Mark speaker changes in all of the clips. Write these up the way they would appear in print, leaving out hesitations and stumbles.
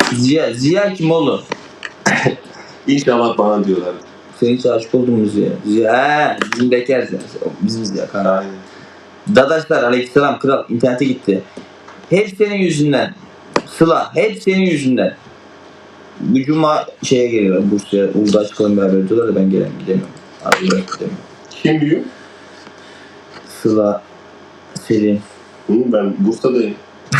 Speaker 1: Ziya kim oğlum?
Speaker 2: İnşallah bana diyorlar.
Speaker 1: Sen hiç aşık oldun mu Ziya? Ziya bizim bekar Ziya. Bizim Ziya kanka.
Speaker 2: Aynen.
Speaker 1: Dadaşlar aleykümselam kral internete gitti. Hep senin yüzünden. Sıla hep senin yüzünden. Bu cuma şeye geliyorlar Bursa'ya. Uludağ çıkalım beraber diyorlar da ben gidemiyorum. Abi gidemiyorum.
Speaker 2: Kim diyor?
Speaker 1: Sıla, Selin,
Speaker 2: Ben Bursa'dayım.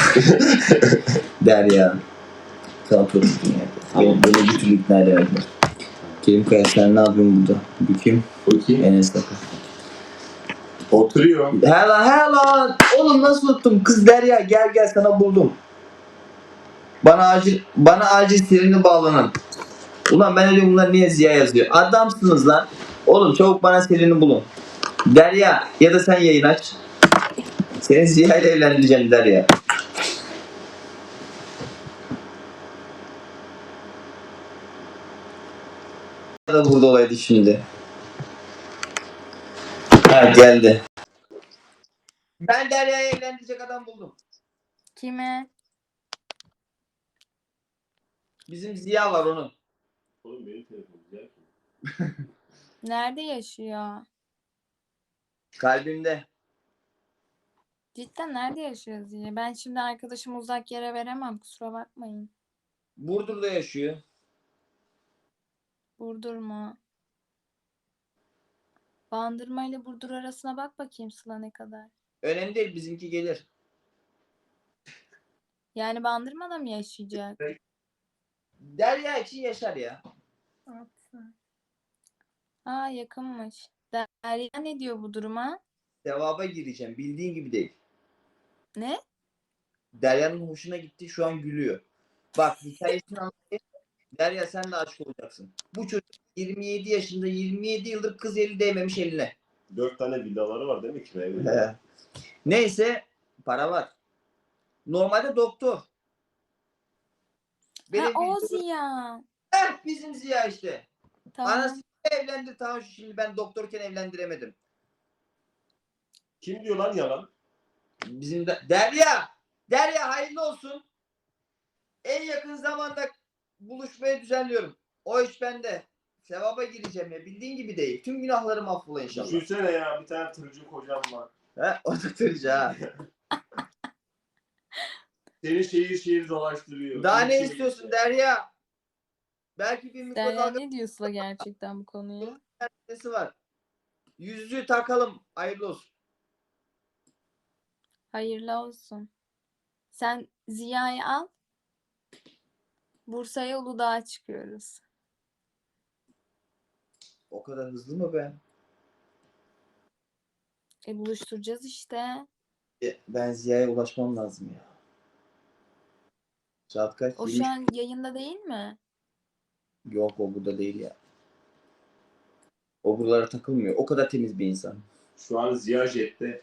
Speaker 1: Derya. Sana tutun yani. Beni bir türlü ikna edemediler. Kerim Kaya sen ne yapıyorsun burada? Bu kim?
Speaker 2: O kim?
Speaker 1: Enes Bakır.
Speaker 2: Oturuyor.
Speaker 1: Hela. Oğlum nasıl unuttum? Kız Derya gel sana buldum. Bana acil Selin'i bağlanın. Ulan ben öyle bunlar niye Ziya yazıyor? Adamsınız lan. Oğlum çabuk bana Selin'i bulun. Derya ya da sen yayın aç. Seni Ziya ile evlendireceğim Derya. Da burada olaydı şimdi. Ha geldi. Ben Derya'yı evlendirecek adam buldum.
Speaker 3: Kime?
Speaker 1: Bizim Ziya var onun.
Speaker 2: Oğlum benim telefonum güzel.
Speaker 3: Nerede yaşıyor?
Speaker 1: Kalbimde.
Speaker 3: Cidden nerede yaşıyor diye. Ben şimdi arkadaşımı uzak yere veremem. Kusura bakmayın.
Speaker 1: Burdur'da yaşıyor.
Speaker 3: Burdur mu? Bandırma ile Burdur arasına bak bakayım Sıla ne kadar.
Speaker 1: Önemli değil bizimki gelir.
Speaker 3: Yani Bandırma'da mı yaşayacak?
Speaker 1: Derya için yaşar ya.
Speaker 3: Aa yakınmış. Derya ne diyor bu duruma?
Speaker 1: Sevaba gireceğim. Bildiğin gibi değil.
Speaker 3: Ne?
Speaker 1: Derya'nın hoşuna gitti. Şu an gülüyor. Bak hikayesini anlatayım. Derya sen de aşık olacaksın. Bu çocuk 27 yaşında 27 yıldır kız eli değmemiş eline.
Speaker 2: 4 tane villaları var değil mi kiraya?
Speaker 1: Neyse para var. Normalde doktor.
Speaker 3: Ha o Ziya.
Speaker 1: Bizim Ziya işte.
Speaker 3: Tamam.
Speaker 1: Anası evlendi tamam şimdi ben doktorken evlendiremedim.
Speaker 2: Kim diyor lan yalan?
Speaker 1: Bizim de Derya hayırlı olsun. En yakın zamanda buluşmayı düzenliyorum. O iş bende. Sevaba gireceğim ya. Bildiğin gibi değil. Tüm günahlarım affola inşallah.
Speaker 2: Düşünsene ya bir tane tırcı kocam var.
Speaker 1: He, o da tırcı ha.
Speaker 2: Seni şehir dolaştırıyor.
Speaker 1: Daha ne istiyorsun Derya? Belki bir
Speaker 3: Derya
Speaker 1: mikrodalga
Speaker 3: ne diyor Sıla gerçekten bu konuya?
Speaker 1: meselesi var. Yüzüğü takalım. Hayırlı olsun.
Speaker 3: Hayırlı olsun. Sen Ziya'yı al. Bursa'ya Uludağ'a çıkıyoruz.
Speaker 1: O kadar hızlı mı be?
Speaker 3: Buluşturacağız işte.
Speaker 1: Ben Ziya'ya ulaşmam lazım ya. Saat kaç?
Speaker 3: O şu an yayında değil mi?
Speaker 1: Yok o burada değil ya. O buralara takılmıyor. O kadar temiz bir insan.
Speaker 2: Şu an Ziya Jet'te.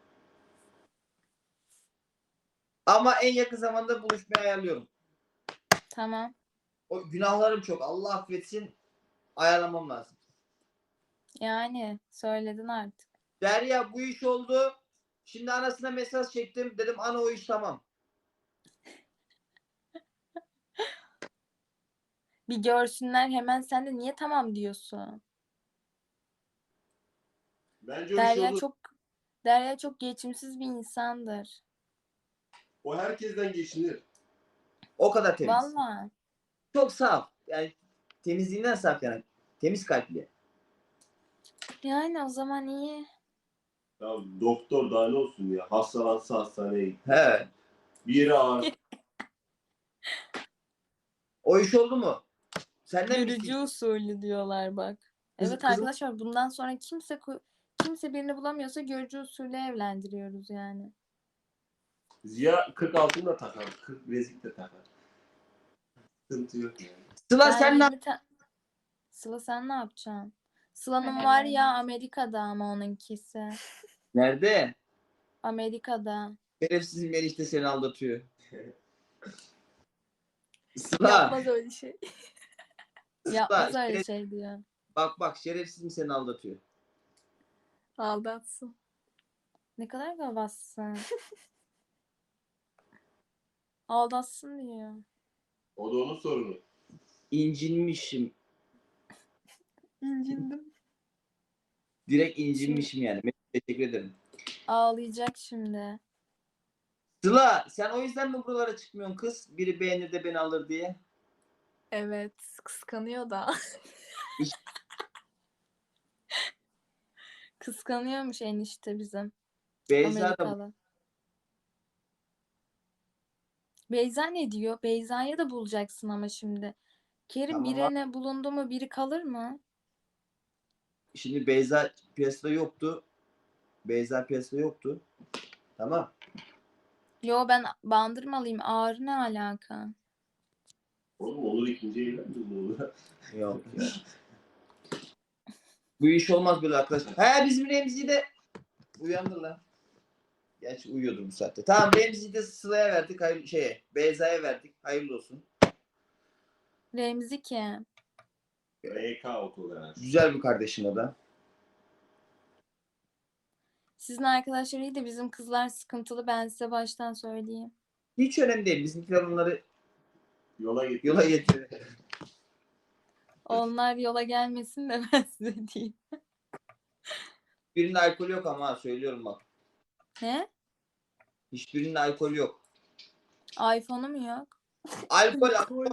Speaker 1: Ama en yakın zamanda buluşmayı ayarlıyorum.
Speaker 3: Tamam.
Speaker 1: O günahlarım çok. Allah affetsin. Ayarlamam lazım.
Speaker 3: Yani söyledin artık.
Speaker 1: Derya bu iş oldu. Şimdi anasına mesaj çektim. Dedim ana o iş tamam.
Speaker 3: Bir görsünler hemen sen de niye tamam diyorsun?
Speaker 2: Bence o iş oldu.
Speaker 3: Derya çok geçimsiz bir insandır.
Speaker 2: O herkesten geçinir.
Speaker 1: O kadar temiz.
Speaker 3: Vallahi.
Speaker 1: Çok saf. Yani temizliğinden saf yani. Temiz kalpli.
Speaker 3: Yani o zaman iyi.
Speaker 2: Ya doktor daha ne olsun ya. Hastalansa hastaneye git.
Speaker 1: He.
Speaker 2: Bir yere ağır.
Speaker 1: O iş oldu mu? Senden mi
Speaker 3: Görücü
Speaker 1: isteyeceğim?
Speaker 3: usulü diyorlar bak. Evet
Speaker 1: Kızım-
Speaker 3: arkadaşlar bundan sonra kimse birini bulamıyorsa görücü usulü evlendiriyoruz yani.
Speaker 2: Ziya 40 altın da takar. 40 bilezik de takar. Sıkıntı yok yani.
Speaker 1: Sıla
Speaker 3: Ben
Speaker 1: sen ne
Speaker 3: 20 Sıla sen ne yapacaksın? Sıla'nın var ya Amerika'da ama onunkisi.
Speaker 1: Nerede?
Speaker 3: Amerika'da.
Speaker 1: Şerefsiz Melih de seni aldatıyor. Sıla.
Speaker 3: Yapmaz öyle şey.
Speaker 1: Sıla.
Speaker 3: Yapmaz öyle şey diyor.
Speaker 1: Bak şerefsiz mi seni aldatıyor?
Speaker 3: Aldatsın. Ne kadar gavassın. Aldatsın diyor.
Speaker 2: O da onun sorunu.
Speaker 1: İncinmişim.
Speaker 3: İncindim.
Speaker 1: Direkt incinmişim yani. Teşekkür ederim.
Speaker 3: Ağlayacak şimdi.
Speaker 1: Sıla sen o yüzden mi buralara çıkmıyorsun kız? Biri beğenir de beni alır diye.
Speaker 4: Evet, kıskanıyor da.
Speaker 3: Kıskanıyormuş enişte bizim.
Speaker 1: Beyza da
Speaker 3: Amerikalı. Beyza ne diyor? Beyza'yı da bulacaksın ama şimdi. Kerim
Speaker 1: Tamam
Speaker 3: birine bulundu mu biri kalır mı?
Speaker 1: şimdi Beyza piyasada yoktu. Beyza piyasada yoktu. Tamam.
Speaker 3: Yo ben Bandırmalıyım. Ağrı ne alaka?
Speaker 2: Oğlum olur ikinci evlendir mi olur?
Speaker 1: Yok ya. Bu iş olmaz böyle arkadaşlar. He bizim Remzi'yi de uyandır lan. Gerçi uyuyordur bu saatte. Tamam Remzi'yi de Sıla'ya verdik. Hayır, Beyza'ya verdik. Hayırlı olsun.
Speaker 3: Remzi kim?
Speaker 2: RK otogaraj.
Speaker 1: Güzel bir kardeşim o da.
Speaker 3: Sizin arkadaşlar iyi de bizim kızlar sıkıntılı. Ben size baştan söyleyeyim.
Speaker 1: Hiç önemli değil. Bizimkiler onları
Speaker 2: Yola git.
Speaker 1: yola getiriyor.
Speaker 3: Onlar yola gelmesin de ben size diyeyim.
Speaker 1: Birinin alkolü yok ama ha, söylüyorum bak.
Speaker 3: Ne?
Speaker 1: Hiçbirinin alkolü yok.
Speaker 3: iPhone'u mu yok?
Speaker 1: Alkol.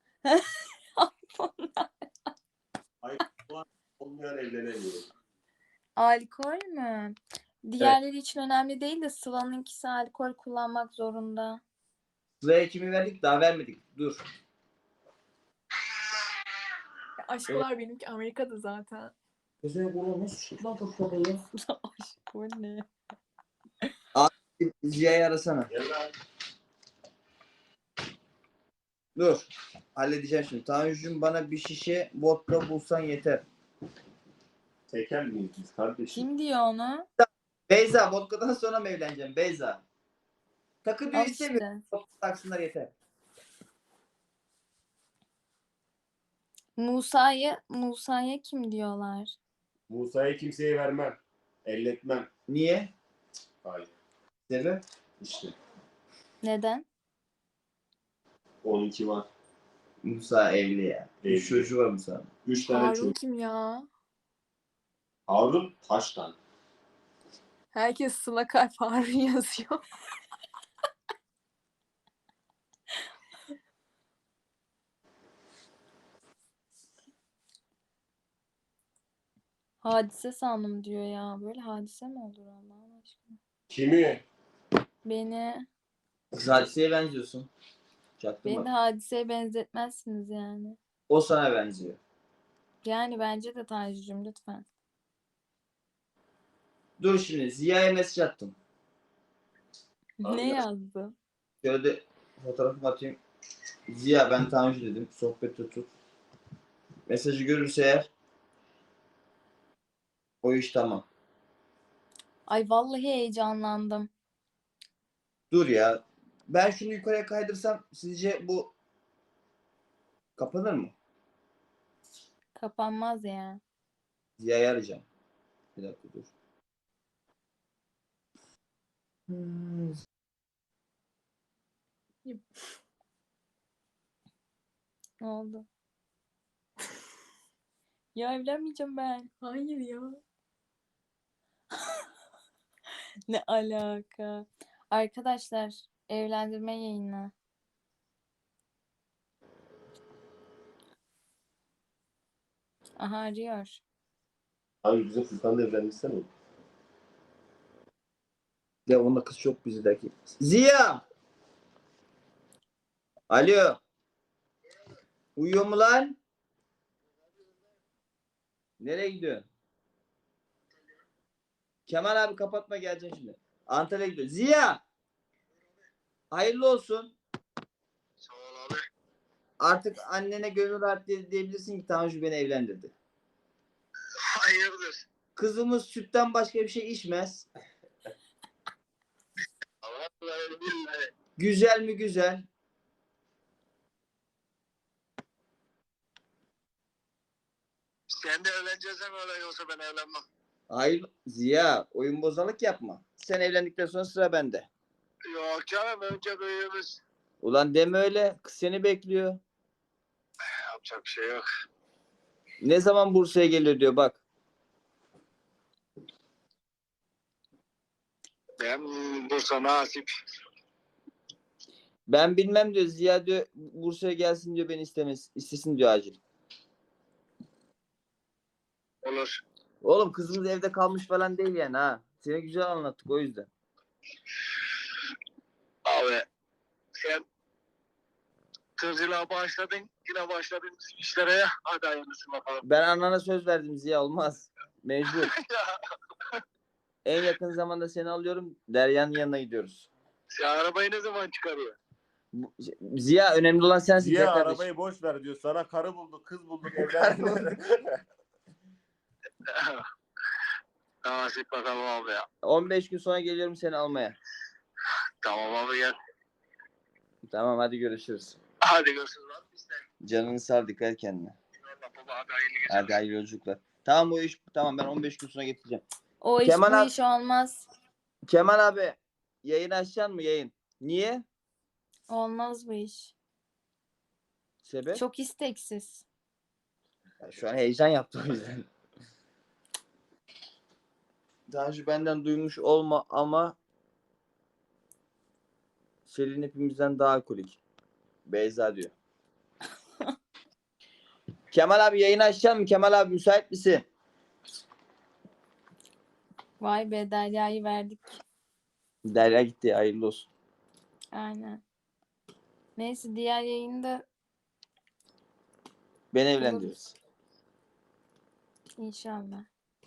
Speaker 2: Olmayan evlenemiyor.
Speaker 3: Alkol mü? Diğerleri için önemli değil de Sıla'nınkisi alkol kullanmak zorunda.
Speaker 1: Sıla'ya kimi verdik? Daha vermedik. Dur.
Speaker 4: Ya aşkolar benimki Amerika'da zaten.
Speaker 1: Gözüne kurulu nasıl çıktı lan çok kapalı?
Speaker 3: Aşkol ne?
Speaker 1: Ziya'yı arasana.
Speaker 2: Gel lan.
Speaker 1: Dur. Halledeceğim şimdi. Tanju'cum bana bir şişe vodka bulsan yeter.
Speaker 2: Tekel miyiz biz kardeşim?
Speaker 3: Kim diyor onu?
Speaker 1: Beyza vodkadan sonra mı evleneceğim? Beyza. Takı diyor
Speaker 3: Al
Speaker 1: istemiyorum.
Speaker 3: işte.
Speaker 1: Vodka taksınlar yeter.
Speaker 3: Musa'ya kim diyorlar?
Speaker 2: Musa'yı kimseye vermem. Elletmem.
Speaker 1: Niye?
Speaker 2: Hayır.
Speaker 1: Sebep?
Speaker 2: İşte.
Speaker 3: Neden?
Speaker 2: Onunki var.
Speaker 1: Musa evli ya.
Speaker 2: Evli.
Speaker 1: 3 çocuğu var Musa'nın.
Speaker 2: 3 tane
Speaker 4: Harun
Speaker 2: çocuk.
Speaker 4: kim ya?
Speaker 2: Harun Taştan.
Speaker 4: Herkes Sıla Kalp Harun yazıyor.
Speaker 3: Hadise sandım diyor ya. Böyle hadise mi olur Allah aşkına?
Speaker 2: Kimi?
Speaker 3: Beni
Speaker 1: Hadiseye benziyorsun.
Speaker 3: beni
Speaker 1: Çaktırma.
Speaker 3: de hadiseye benzetmezsiniz yani.
Speaker 1: O sana benziyor.
Speaker 3: Yani bence de Tanju'cum lütfen.
Speaker 1: Dur şimdi Ziya'ya mesaj attım.
Speaker 2: Abi
Speaker 3: Ne
Speaker 2: ya.
Speaker 3: yazdı?
Speaker 1: Şöyle de fotoğrafımı atayım. Ziya ben Tanju dedim. Sohbet tut. Mesajı görürse eğer o iş tamam.
Speaker 3: Ay vallahi heyecanlandım.
Speaker 1: Dur ya. Ben şunu yukarıya kaydırsam sizce bu kapanır mı?
Speaker 3: Kapanmaz ya.
Speaker 1: Ziya'yı arayacağım. Bir dakika dur.
Speaker 3: Ne oldu? Ya evlenmeyeceğim ben.
Speaker 4: Hayır ya.
Speaker 3: Ne alaka? Arkadaşlar evlendirme yayını. Aha arıyor.
Speaker 2: Abi bizim Furkan'la evlenmişsen oğlum.
Speaker 1: Ya onunla kız çok bizdeki. Ziya! Alo. Uyuyor mu lan? Nereye gidiyorsun? Kemal abi kapatma geleceğim şimdi. Antalya'ya gidiyor. Ziya! Hayırlı olsun.
Speaker 5: Sağ ol abi.
Speaker 1: Artık annene gönül rahat diyebilirsin ki Tanju beni evlendirdi.
Speaker 5: Hayırdır?
Speaker 1: Kızımız sütten başka bir şey içmez.
Speaker 5: Vallahi billahi.
Speaker 1: Güzel mi güzel.
Speaker 5: Sen de evleneceksen öyle yoksa ben evlenmem.
Speaker 1: Hayır Ziya oyun bozalık yapma. Sen evlendikten sonra sıra bende.
Speaker 5: Yok canım önce büyüğümüz.
Speaker 1: Ulan deme öyle. Kız seni bekliyor.
Speaker 5: Yapacak bir şey yok.
Speaker 1: Ne zaman Bursa'ya geliyor diyor bak.
Speaker 5: Ben Bursa nasip.
Speaker 1: Ben bilmem diyor. Ziya diyor Bursa'ya gelsin diyor, beni istesin diyor acil.
Speaker 5: Olur.
Speaker 1: Oğlum kızımız evde kalmış falan değil yani ha. Seni güzel anlattık o yüzden.
Speaker 5: Abi sen kızıyla başladın. Yine başladın bizim işlere ya. Hadi hayırlısı bakalım.
Speaker 1: Ben annana söz verdim Ziya, olmaz. Mecbur. En yakın zamanda seni alıyorum. Derya'nın yanına gidiyoruz.
Speaker 5: Sen arabayı ne zaman çıkarıyor?
Speaker 1: Ziya önemli olan sensin.
Speaker 2: Ziya
Speaker 1: gel kardeşim.
Speaker 2: arabayı boş ver diyor. Sana karı bulduk, kız bulduk, evlendik.
Speaker 5: Nasip bakalım abi ya.
Speaker 1: 15 gün sonra geliyorum seni almaya.
Speaker 5: Tamam abi gel.
Speaker 1: Tamam hadi görüşürüz.
Speaker 5: Hadi görüşürüz abi. Biz de.
Speaker 1: Canını sağ, dikkat et kendine.
Speaker 5: Eyvallah baba, hadi hayırlı geceler.
Speaker 1: Hadi hayırlı yolculuklar. Tamam bu iş tamam, ben 15 gün sonra getireceğim.
Speaker 3: O iş
Speaker 1: Kemal
Speaker 3: bu
Speaker 1: abi-
Speaker 3: iş olmaz.
Speaker 1: Kemal abi yayın açacaksın mı yayın? Niye?
Speaker 3: Olmaz bu iş.
Speaker 1: Sebep?
Speaker 3: Çok isteksiz.
Speaker 1: Şu an heyecan yaptım o yüzden. Daha önce benden duymuş olma ama Selin hepimizden daha alkolik. Beyza diyor. Kemal abi yayını açacak mı? Kemal abi müsait misin?
Speaker 3: Vay be, Derya'yı verdik.
Speaker 1: Derya gitti, hayırlı olsun.
Speaker 3: Aynen. Neyse diğer yayında
Speaker 1: Beni evlendiririz.
Speaker 3: inşallah.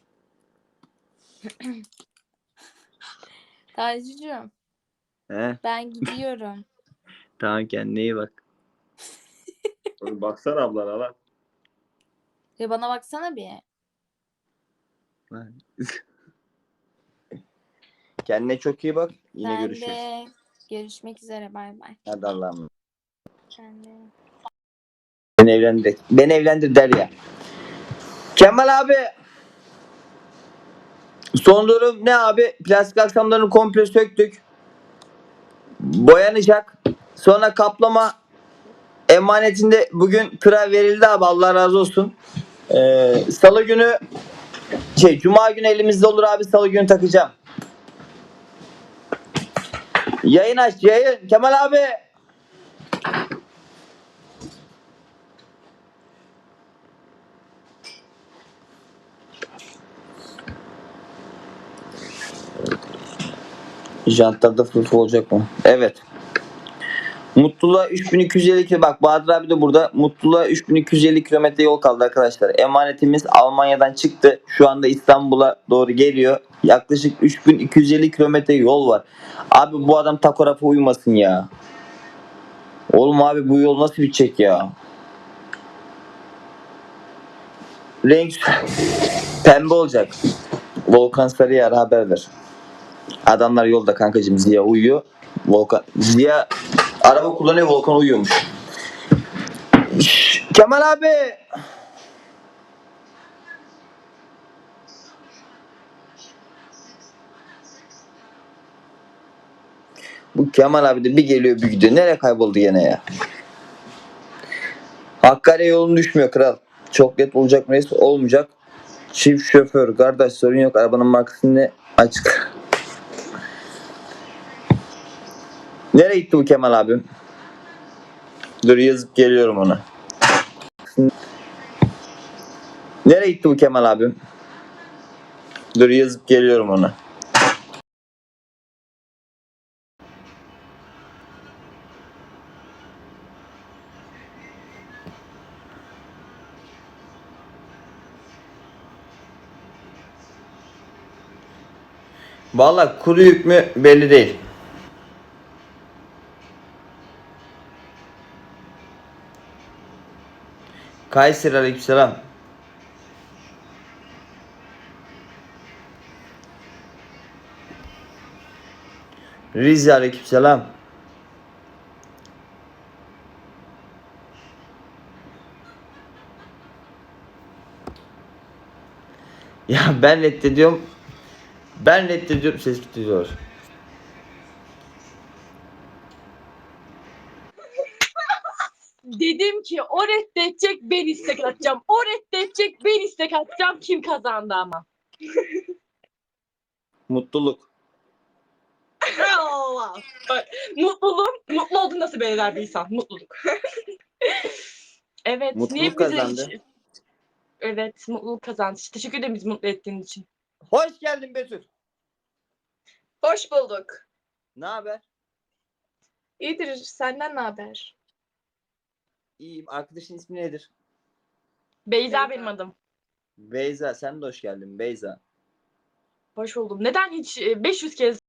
Speaker 3: Tacicuğum,
Speaker 1: He?
Speaker 3: ben gidiyorum.
Speaker 1: Tamam, kendine iyi bak.
Speaker 2: Oğlum baksana ablana lan.
Speaker 3: Ve bana baksana bir.
Speaker 1: Kendine çok iyi bak. Yine
Speaker 3: Sen
Speaker 1: görüşürüz.
Speaker 3: de görüşmek üzere. Bay bay.
Speaker 1: Hadi Allah'ım.
Speaker 3: Sen de.
Speaker 1: Beni evlendir. Beni evlendir Derya. Kemal abi. Son durum ne abi? Plastik aksamlarını komple söktük. Boyanacak. Sonra kaplama emanetinde bugün tıra verildi abi. Allah razı olsun. Salı günü Cuma günü elimizde olur abi. Salı günü takacağım. Yayın aç yayın. Kemal abi. Jantlarda fırfır olacak mı? Evet. Mutluluğa 3250 km. Bak Bahadır abi de burada. Mutluluğa 3250 kilometre yol kaldı arkadaşlar. Emanetimiz Almanya'dan çıktı. Şu anda İstanbul'a doğru geliyor. Yaklaşık 3250 kilometre yol var. Abi bu adam takografa uymasın ya. Oğlum abi bu yol nasıl bitecek ya? Renk pembe olacak. Volkan Sarıyer haber ver. Adamlar yolda kankacığım. Ziya uyuyor. Ziya araba kullanıyor, Volkan uyuyormuş. Kemal abi. Bu Kemal abi de bir geliyor bir gidiyor. Nereye kayboldu gene ya? Hakkari yolun düşmüyor kral. Çok net olacak mı? Olmayacak. Çift şoför. Kardeş sorun yok. Arabanın markası ne? Açık. Nereye gitti bu Kemal abim? Dur yazıp geliyorum ona. Nereye gitti bu Kemal abim? Dur yazıp geliyorum ona. Vallahi kuru yük mü belli değil. Kayseri aleykümselam. Rize aleykümselam. Ya ben reddediyorum. Ben reddediyorum, ses gidiyor.
Speaker 6: dedim ki o reddedecek, ben istek atacağım. O reddedecek, ben istek atacağım. Kim kazandı ama?
Speaker 1: Mutluluk.
Speaker 6: Allah. Bak, mutlu olduğunu nasıl belirler bir insan? Mutluluk. Evet.
Speaker 1: Mutluluk
Speaker 6: niye bize
Speaker 1: kazandı.
Speaker 6: Evet, mutluluk kazandı. Teşekkür ederim bizi mutlu ettiğin için.
Speaker 1: Hoş geldin Betül.
Speaker 4: Hoş bulduk.
Speaker 1: Ne haber?
Speaker 4: İyidir. Senden ne haber?
Speaker 1: İyiyim. Arkadaşın ismi nedir?
Speaker 6: Beyza benim adım.
Speaker 1: Beyza. Sen de hoş geldin Beyza.
Speaker 6: Hoş buldum. Neden hiç 500 kez